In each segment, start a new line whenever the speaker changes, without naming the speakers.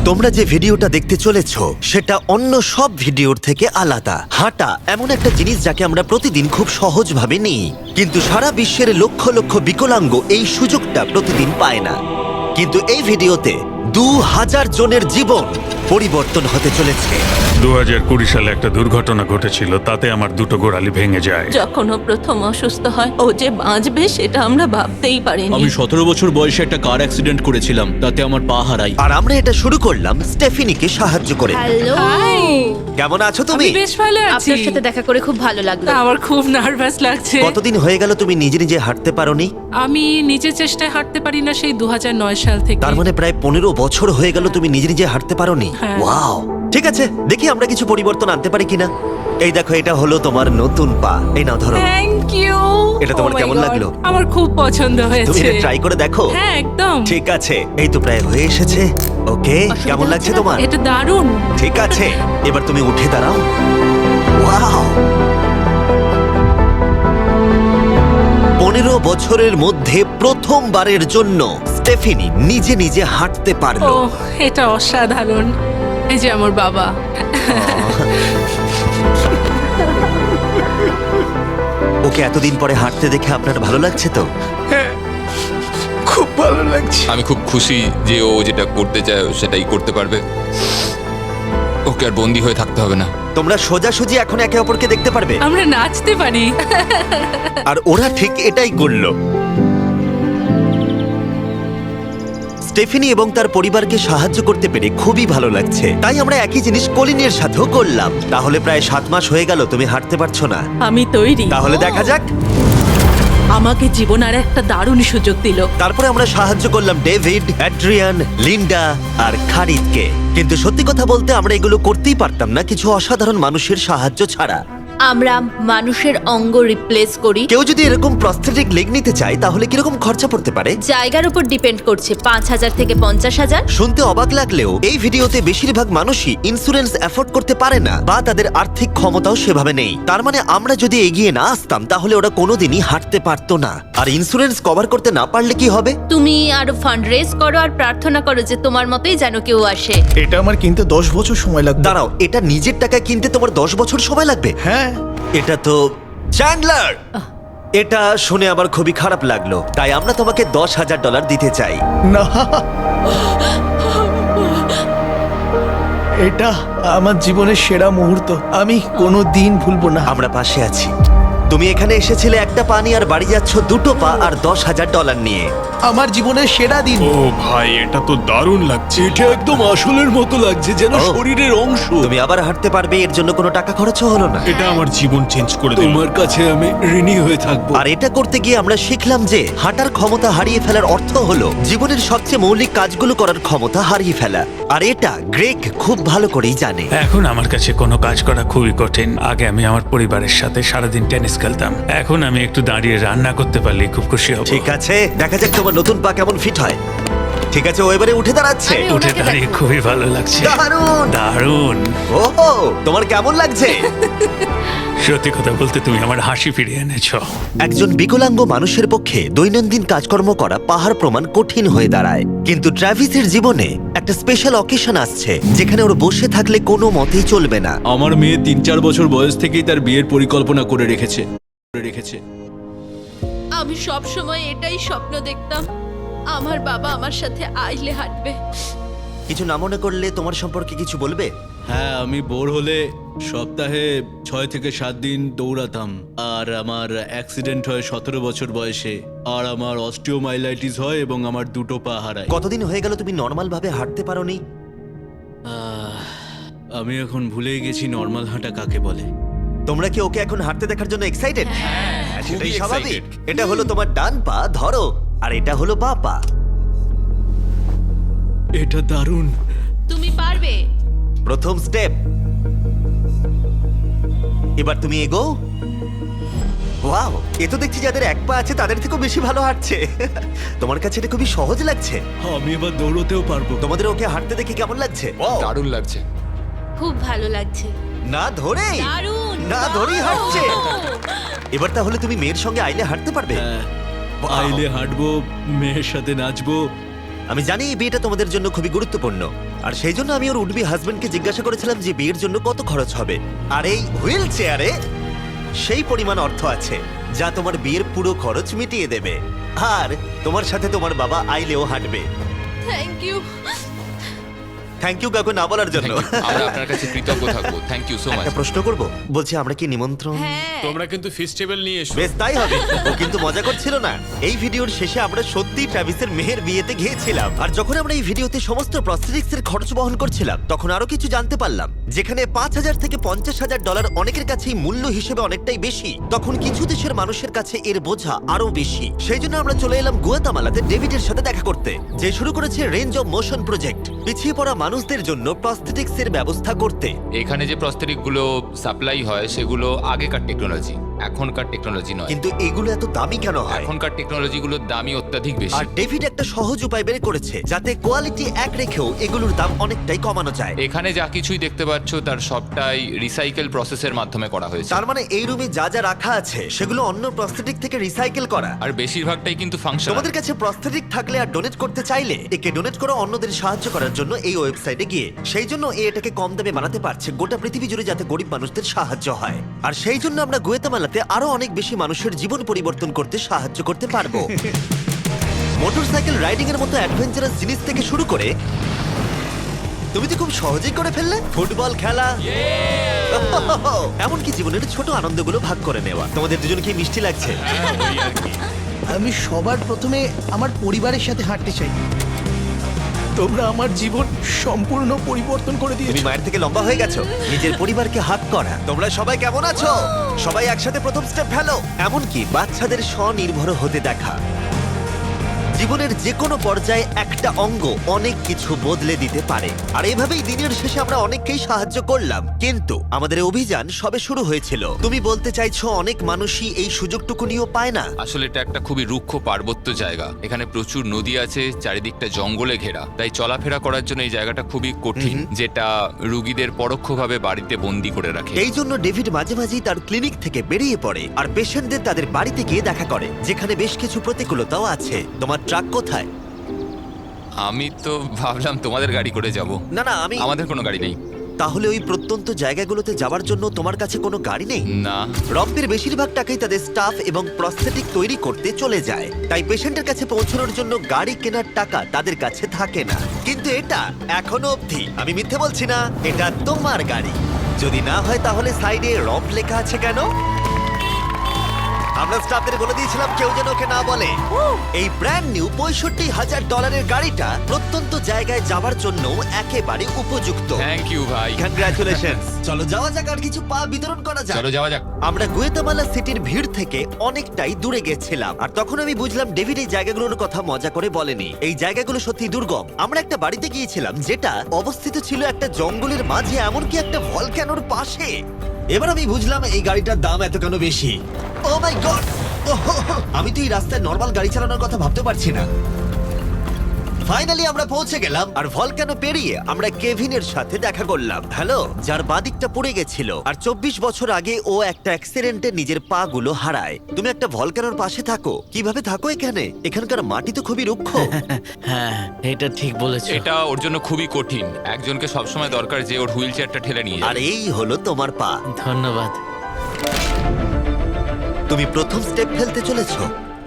তোমরা যে ভিডিওটা দেখতে চলেছো সেটা অন্য সব ভিডিওর থেকে আলাদা। হাঁটা এমন একটা জিনিস যাকে আমরা প্রতিদিন খুব সহজভাবে নিই, কিন্তু সারা বিশ্বের লক্ষ লক্ষ বিকলাঙ্গ এই সুযোগটা প্রতিদিন পায় না। কিন্তু এই ভিডিওতে 2000 জনের জীবন পরিবর্তন হতে চলেছে।
2020 সালে একটা দুর্ঘটনা ঘটেছিল, তাতে আমার দুটো গোড়ালি ভেঙে যায়।
যখন ও প্রথম অসুস্থ হয়, ও যে বাঁচবে সেটা আমরা ভাবতেই পারিনি।
আমি 17 বছর বয়সে একটা কার অ্যাক্সিডেন্ট করেছিলাম, তাতে আমার পা হারাই।
আর আমরা এটা শুরু করলাম স্টেফিনিকে সাহায্য করে।
হ্যালো,
কেমন আছো তুমি?
বেশ ভালো আছি।
আপনার সাথে দেখা করে খুব ভালো লাগলো।
আমার খুব নার্ভাস লাগছে।
কতদিন হয়ে গেল তুমি নিজে নিজে হাঁটতে পারোনি?
আমি নিজের চেষ্টায় হাঁটতে পারি না সেই 2009 সাল থেকে।
তার মানে প্রায় 15 বছর হয়ে গেল তুমি নিজে নিজে হাঁটতে পারোনি।
হ্যাঁ।
ওয়াও, ঠিক আছে, দেখি আমরা কিছু পরিবর্তন আনতে পারি কিনা। এই দেখো, এটা হলো তোমার নতুন পা। এই নাও ধরো।
Thank you.
এটা তোমার কেমন লাগলো?
আমার খুব পছন্দ
তুমি
হয়েছে।
এটা ট্রাই করে দেখো।
হ্যাঁ, একদম।
ঠিক আছে, এই তো প্রায় হয়ে এসেছে। ওকে, কেমন লাগছে তোমার?
এটা দারুণ।
ঠিক আছে, এবার তুমি উঠে দাঁড়াও। ওয়াও, 15 বছরের মধ্যে প্রথমবারের জন্য স্টেফিনি নিজে নিজে হাঁটতে
ও,
পারলো।
এটা অসাধারণ। এই যে আমার বাবা।
ওকে এতদিন পরে হাঁটতে দেখে আপনার ভালো লাগছে তো?
আমি খুব খুশি যে ও যেটা করতে চায় ও সেটাই করতে পারবে। ওকে আর বন্দি হয়ে থাকতে হবে না।
তোমরা সোজাসুজি এখন একে অপরকে দেখতে পারবে।
আমরা নাচতে পারি।
আর ওরা ঠিক এটাই করলো। স্টেফিনি এবং তার পরিবারকে সাহায্য করতে পেরে খুবই ভালো লাগছে। তাই আমরা একই জিনিস কলিনের সাথেও করলাম। তাহলে প্রায় 7 মাস হয়ে গেল তুমি হাঁটতে পারছো না।
আমি তৈরি।
তাহলে দেখা যাক।
আমাকে জীবন আর একটা দারুণ সুযোগ দিল।
তারপরে আমরা সাহায্য করলাম ডেভিড, অ্যাড্রিয়ান, লিন্ডা আর খারিদকে। কিন্তু সত্যি কথা বলতে আমরা এগুলো করতেই পারতাম না কিছু অসাধারণ মানুষের সাহায্য ছাড়া।
আমরা মানুষের অঙ্গ রিপ্লেস করি।
কেউ যদি এরকম প্রস্থেটিক লেগ নিতে চায় তাহলে কিরকম খরচা পড়তে পারে?
জায়গার উপর ডিপেন্ড করছে, 5,000 থেকে 50,000।
শুনতে অবাক লাগলেও এই ভিডিওতে বেশিরভাগ মানুষই ইন্স্যুরেন্স অ্যাফোর্ড করতে পারে না বা তাদের আর্থিক ক্ষমতাও সেভাবে নেই। তার মানে আমরা যদি এগিয়ে না আসতাম তাহলে ওরা কোনোদিনই হাঁটতে পারতো না। আর ইন্স্যুরেন্স কভার করতে না পারলে কি হবে?
তুমি আরো ফান্ড রেজ করো আর প্রার্থনা করো যে তোমার মতোই যেন কেউ আসে।
এটা আমার কিনতে 10 বছর সময় লাগবে।
দাঁড়াও, এটা নিজের টাকায় কিনতে তোমার 10 বছর সময় লাগবে?
হ্যাঁ,
এটা তো চ্যান্ডলার! এটা শুনে আবার খুবই খারাপ লাগলো। তাই আমরা তোমাকে $10,000 দিতে চাই।
না, এটা আমার জীবনের সেরা মুহূর্ত। আমি কোনো দিন ভুলবো না।
আমরা পাশে আছি। তুমি এখানে এসেছিলে একটা পা নিয়ে আর বাড়ি যাচ্ছ দুটো পা আর $10,000 নিয়ে।
আমার জীবনের সেরা দিন।
ও ভাই, এটা তো দারুণ লাগছে।
এটা একদম আসলের মতো লাগছে, যেন
ও।
শরীরের অংশ।
তুমি আবার হাঁটতে পারবে, এর জন্য কোনো টাকা খরচও হলো না।
এটা আমার জীবন চেঞ্জ করে দিল।
তোমার কাছে আমি ঋণী হয়ে থাকবো।
আর এটা করতে গিয়ে আমরা শিখলাম যে হাঁটার ক্ষমতা হারিয়ে ফেলার অর্থ হলো জীবনের সবচেয়ে মৌলিক কাজগুলো করার ক্ষমতা হারিয়ে ফেলা। আর এটা গ্রেগ খুব ভালো করেই জানে।
এখন আমার কাছে কোনো কাজ করা খুবই কঠিন। আগে আমি আমার পরিবারের সাথে সারাদিন টেনিস খেলতাম, এখন আমি একটু দাঁড়িয়ে রান্না করতে পারলে খুব খুশি হব।
ঠিক আছে, দেখা যাক তোমার নতুন পা কেমন ফিট হয়। ঠিক আছে, ও এবারে উঠে দাঁড়াচ্ছে।
আরে,
উঠে
ওনাকে
দাঁড়িয়ে
দেখো।
খুবই ভালো লাগছে।
দারুণ!
দারুণ।
ওহো, তোমার কেমন লাগছে?
সত্যি কথা বলতে তুমি আমার হাসি ফিরিয়ে এনেছো।
একজন বিকলাঙ্গ মানুষের পক্ষে দৈনন্দিন কাজকর্ম করা পাহাড় প্রমাণ কঠিন হয়ে দাঁড়ায়। কিন্তু ট্রাভিসের জীবনে একটা স্পেশাল অকেশন আসছে যেখানে ওর বসে থাকলে কোনো মতেই চলবে না।
আমার মেয়ে 3-4 বছর বয়স থেকেই তার বিয়ের পরিকল্পনা করে রেখেছে।
আমি সব সময় এটাই স্বপ্ন দেখতাম, আমার বাবা আমার সাথে আইলে হাঁটবে।
কিছু না মনে করলে তোমার সম্পর্কে কিছু বলবে?
হ্যাঁ, আমি বোর হলে সপ্তাহে 6 থেকে 7 দিন দৌড়াতাম। আর আমার অ্যাক্সিডেন্ট হয় 17 বছর বয়সে। আর আমার অস্টিওমাইলাইটিস হয় এবং আমার দুটো পা হারায়।
কতদিন হয়ে গেল তুমি নর্মাল ভাবে হাঁটতে পারোনি?
আমি এখন ভুলেই গেছি নর্মাল হাঁটা কাকে বলে।
তোমরা কি ওকে এখন হাঁটতে দেখার জন্য এক্সাইটেড? সেটাই স্বাভাবিক। এটা হলো তোমার ডান পা, ধরো, আর এটা হলো বাঁ পা।
এটা দারুণ।
তুমি পারবে।
প্রথম স্টেপ। এবার তুমি এগো। ওয়াও, এ তো দেখছি যাদের এক পা আছে তাদের থেকেও বেশি ভালো হাঁটছে। তোমার কাছে এটা খুবই সহজ লাগছে।
আমি এবার দৌড়তেও পারবো।
তোমাদের ওকে হাঁটতে দেখে কেমন লাগছে?
দারুণ লাগছে।
খুব ভালো লাগছে।
না ধরেই
দারুণ।
না ধরেই হাঁটছে। এবার তাহলে তুমি মেয়ের সঙ্গে আইলে হাঁটতে পারবে?
হ্যাঁ,
Wow!
আইলে হাঁটবো, মেয়ের সাথে নাচবো,
আমি জানি এই বিয়েটা তোমাদের জন্য খুবই গুরুত্বপূর্ণ, আর সেই জন্য আমি ওর উডবি হাজবেন্ডকে জিজ্ঞাসা করেছিলাম যে বিয়ের জন্য কত খরচ হবে। আর এই হুইল চেয়ারে সেই পরিমাণ অর্থ আছে যা তোমার বিয়ের পুরো খরচ মিটিয়ে দেবে। আর তোমার সাথে তোমার বাবা আইলেও হাঁটবে।
Thank you.
থ্যাংক ইউ কাকু না বলার জন্য।
Thank you. আমরা আপনার কাছে কৃতজ্ঞ থাকবো। Thank you so much.
একটা প্রশ্ন করব, বলছি আমরা কি নিমন্ত্রণ?
হ্যাঁ,
তোমরা কিন্তু ফেস্টিভ্যাল নিয়ে এসো।
বেশ তাই হবে। ও কিন্তু মজা করছিল না। এই ভিডিওর শেষে আমরা সত্যি ট্রাভিসের মেহের বিয়েতে গিয়েছিলাম, আর যখন আমরা এই ভিডিওতে সমস্ত প্রস্থেটিক্স এর খরচ বহন করছিলাম তখন আরো কিছু জানতে পারলাম। যেখানে $5,000 থেকে $50,000 অনেকের কাছেই মূল্য হিসেবে অনেকটাই বেশি, তখন কিছু দেশের মানুষের কাছে এর বোঝা আরো বেশি। সেই জন্য আমরা চলে এলাম গুয়াতামালাতে ডেভিডের সাথে দেখা করতে, যে শুরু করেছে রেঞ্জ অফ মোশন প্রজেক্ট, পিছিয়ে পড়া মানুষদের জন্য প্রস্থেটিক্স এর ব্যবস্থা করতে।
এখানে যে প্রস্তরিক গুলো সাপ্লাই হয় সেগুলো আগেকার টেকনোলজি, এখনকার টেকনোলজি নয়।
কিন্তু এগুলো এত দামি কেন হয়?
এখনকার টেকনোলজি গুলোর দামই অত্যাধিক বেশি।
আর ডেভিড একটা সহজ উপায় বের করেছে যাতে কোয়ালিটি এক রেখেও এগুলোর দাম অনেকটাই কমানো যায়।
এখানে যা কিছুই দেখতে পাচ্ছ তার সবটাই রিসাইকেল প্রসেসের মাধ্যমে করা হয়েছে।
তার মানে এই রুমে যা যা রাখা আছে সেগুলো অন্য প্রস্থেটিক থেকে রিসাইকেল করা।
আর বেশিরভাগটাই কিন্তু ফাংশন।
তোমাদের কাছে প্রস্থেটিক থাকলে আর ডোনেট করতে চাইলে একে ডোনেট করো অন্যদের সাহায্য করার জন্য এই ওয়েবসাইটে গিয়ে। সেই জন্য এটাকে কম দামে বানাতে পারছে গোটা পৃথিবী জুড়ে যাতে গরিব মানুষদের সাহায্য হয়। আর সেই জন্য আমরা গুয়েতামালাতে আরো অনেক বেশি মানুষের জীবন পরিবর্তন করতে সাহায্য করতে পারবো। মোটরসাইকেল রাইডিং এর মতো অ্যাডভেঞ্চারাস জিনিস থেকে শুরু করে তুমি তো খুব সহজেই করে ফেললে ফুটবল খেলা, এমনকি জীবনের ছোট আনন্দগুলো ভাগ করে নেওয়া। তোমাদের দুজনকে মিষ্টি লাগছে?
আমি সবার প্রথমে আমার পরিবারের সাথে হাঁটতে চাই। তোমরা আমার জীবন সম্পূর্ণ পরিবর্তন করে
তুমি
দিয়েছো।
মায়ের থেকে লম্বা হয়ে গেছো। নিজের পরিবারকে হাত করা। তোমরা সবাই কেমন আছো? সবাই একসাথে প্রথম স্টেপ ফেলো। এমনকি বাচ্চাদের স্বনির্ভর হতে দেখা। জীবনের যে কোনো পর্যায়ে একটা অঙ্গ অনেক কিছু বদলে দিতে পারে। আর এইভাবেই দিনের শেষে আমরা অনেককেই সাহায্য করলাম, কিন্তু আমাদের অভিযান সবে শুরু হয়েছিল। তুমি বলতে চাইছো অনেক মানুষই এই সুযোগটুকু নিয়েও পায় না?
আসলে এটা একটা খুবই রুক্ষ পার্বত্য জায়গা। এখানে প্রচুর নদী আছে, চারিদিকটা জঙ্গলে ঘেরা, তাই চলাফেরা করার জন্য এই জায়গাটা খুবই কঠিন, যেটা রুগীদের পরোক্ষভাবে বাড়িতে বন্দি করে রাখে।
এই জন্য ডেভিড মাঝে মাঝেই তার ক্লিনিক থেকে বেরিয়ে পড়ে আর পেশেন্টদের তাদের বাড়িতে গিয়ে দেখা করে, যেখানে বেশ কিছু প্রতিকূলতাও আছে। তোমার ট্রাক কোথায়?
আমি তো ভাবলাম তোমাদের গাড়ি করে যাব।
না না, আমি
আমাদের কোনো গাড়ি নেই।
তাহলে ওই প্রত্যন্ত জায়গাগুলোতে যাওয়ার জন্য তোমার কাছে কোনো গাড়ি নেই?
না।
রম্পের বেশিরভাগ টাকাই তাদের স্টাফ এবং প্রস্থেটিক তৈরি করতে চলে যায়, তাই পেশেন্টের কাছে পৌঁছানোর জন্য গাড়ি কেনার টাকা তাদের কাছে থাকে না। কিন্তু এটা এখনো অবধি, আমি মিথ্যে বলছি না, এটা তোমার গাড়ি। যদি না হয় তাহলে সাইডে রম্প লেখা আছে কেন? আমরা স্টাফদের বলে দিয়েছিলাম কেউ যেন ওকে না বলে। এই ব্র্যান্ড নিউ $65,000 গাড়িটা প্রত্যন্ত জায়গায় যাওয়ার জন্য একেবারে উপযুক্ত।
থ্যাংক ইউ ভাই।
কংগ্রাচুলেশন। চলো যাওয়া যাক আর কিছু পা বিতরণ করা যাক।
চলো যাওয়া যাক।
আমরা গুয়েতামালা সিটির ভিড় থেকে অনেকটাই দূরে গেছিলাম, আর তখন আমি বুঝলাম ডেভিড এই জায়গাগুলোর কথা মজা করে বলেনি। এই জায়গাগুলো সত্যি দুর্গম। আমরা একটা বাড়িতে গিয়েছিলাম যেটা অবস্থিত ছিল একটা জঙ্গলের মাঝে, এমনকি একটা ভলক্যানোর পাশে। এবার আমি বুঝলাম এই গাড়িটার দাম এত কেন বেশি। Oh my God! আমি তো এই রাস্তায় নর্মাল গাড়ি চালানোর কথা ভাবতে পারছি না। ফাইনালি আমরা পৌঁছে গেলাম, আর ভলক্যানো পেরিয়ে আমরা কেভিনের সাথে দেখা করলাম। হ্যালো, যার বাদিকটা পড়ে গেছিল, আর 24 বছর আগে ও একটা অ্যাক্সিডেন্টে নিজের পা গুলো হারায়। তুমি একটা ভলক্যানোর পাশে থাকো, কিভাবে থাকো এখানে? এখানকার মাটি তো খুবই রুক্ষ।
হ্যাঁ, এটা ঠিক বলেছো।
এটা ওর জন্য খুবই কঠিন। একজনকে সবসময় দরকার যে ওর হুইল চেয়ারটা ঠেলে নিয়ে
আর
যাবে।
এই হলো তোমার পা।
ধন্যবাদ।
তুমি প্রথম স্টেপ ফেলতে চলেছো।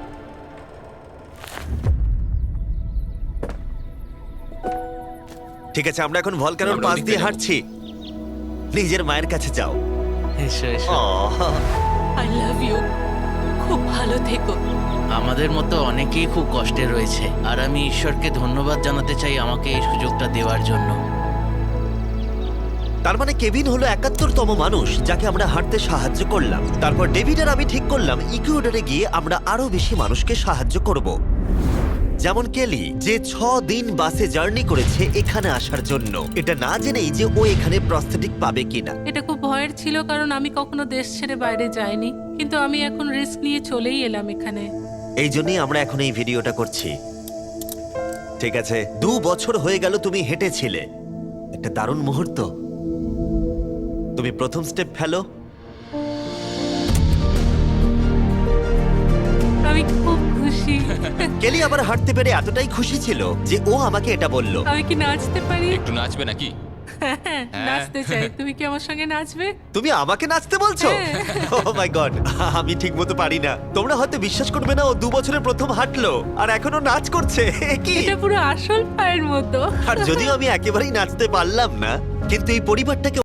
ঠিক আছে, আমরা এখন ভলক্যানোর
আমরা
পাশ
ওদিকে
দিয়ে
যাবো।
হাঁটছি। নিজের মায়ের কাছে যাও।
এসো এসো।
Ah,
I love you. খুব ভালো থেকো।
আমাদের মতো অনেকেই খুব কষ্টে রয়েছে, আর আমি ঈশ্বরকে ধন্যবাদ জানাতে চাই আমাকে এই সুযোগটা দেওয়ার জন্য।
তার মানে কেভিন হলো 71তম মানুষ যাকে আমরা হাঁটতে সাহায্য করলাম। তারপর ডেভিড আর আমি ঠিক করলাম ইকুয়েডরে গিয়ে আমরা আরো বেশি মানুষকে সাহায্য করব, যেমন কেলি, যে 6 দিন বাসে জার্নি করেছে এখানে আসার জন্য, এটা না জেনেই যে ও এখানে প্রস্থেটিক পাবে কিনা।
এটা খুব ভয়ের ছিল, কারণ আমি কখনো দেশ ছেড়ে বাইরে যাইনি, কিন্তু আমি এখন রিস্ক নিয়ে চলেই এলাম এখানে।
এই জন্যই আমরা এখন এই ভিডিওটা করছি। ঠিক আছে, 2 বছর হয়ে গেল তুমি হেঁটেছিলে, একটা দারুণ মুহূর্ত। তুমি প্রথম স্টেপ ফেলো।
আমি খুব খুশি।
কেলি আবার হাঁটতে পেরে এতটাই খুশি ছিল যে ও আমাকে এটা বলল।
আমি কি নাচতে পারি?
একটু নাচবে নাকি?
নাচতে চাই, তুমি কি আমার সঙ্গে নাচবে?
তুমি আমাকে নাচতে বলছো? ও মাই গড, আমি ঠিকমতো পারি না। তোমরা হয়তো বিশ্বাস করবে না, ও 2 বছরে প্রথম হাঁটলো আর এখনো নাচ করছে। কি?
এটা পুরো আসল পায়ের মতো।
আর যদিও আমি একেবারেই নাচতে পারলাম না, কিন্তু এই পরিবারটাকে